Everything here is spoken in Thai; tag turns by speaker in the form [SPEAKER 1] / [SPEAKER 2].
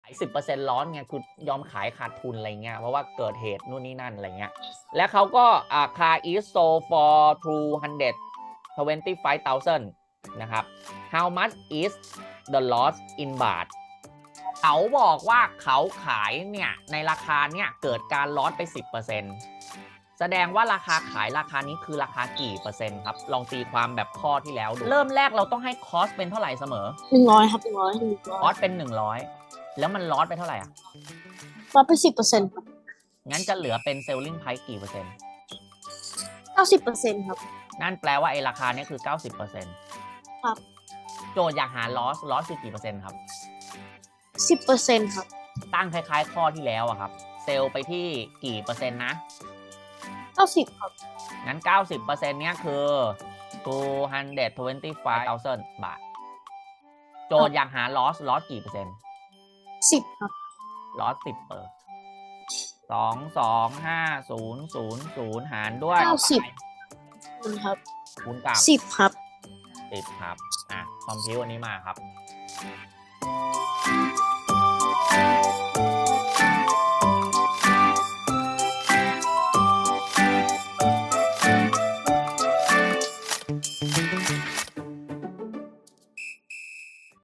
[SPEAKER 1] 10% loss ไงคือยอมขายขาดทุนอะไรเงี้ยเพราะว่าเกิดเหตุนู่นนี่นั่นอะไรเงี้ยและเขาก็car is sold for 225,000 นะครับ how much is the loss in baht เขาบอกว่าเขาขายเนี่ยในราคาเนี่ยเกิดการลอสไป 10%แสดงว่าราคาขายราคานี้คือราคากี่เปอร์เซ็นต์ครับลองตีความแบบข้อที่แล้วดูเริ่มแรกเราต้องให้คอสเป็นเท่าไหร่เสมอ
[SPEAKER 2] 100ครับ
[SPEAKER 1] คอสเป็น100แล้วมันลอสไปเท่าไหร่อ่ะ
[SPEAKER 2] ลดไป10%ครับ
[SPEAKER 1] งั้นจะเหลือเป็น selling price กี่เปอร์เซ็นต์
[SPEAKER 2] 90%ครับ
[SPEAKER 1] นั่นแปลว่าไอ้ราคานี้คือ 90%
[SPEAKER 2] ครับ
[SPEAKER 1] โจทย์อยากหา loss คือกี่เปอร์เซ็นต์ครับ
[SPEAKER 2] 10%ครับ
[SPEAKER 1] ตั้งคล้ายๆข้อที่แล้วอะครับเซลล์ไปที่กี่เปอร์เซ็นต์นะ
[SPEAKER 2] 90ครับ
[SPEAKER 1] งั้น 90% เนี้ยคือ 225,000 บาทโจทย์อยากหา loss กี่เปอร์เซ็นต์
[SPEAKER 2] 10ครับ
[SPEAKER 1] loss 10เปอร์225,000หารด้วย
[SPEAKER 2] 90ครับ
[SPEAKER 1] คูณกับ
[SPEAKER 2] 10ครับ
[SPEAKER 1] 10ครับคอมพิวอันนี้มาครับ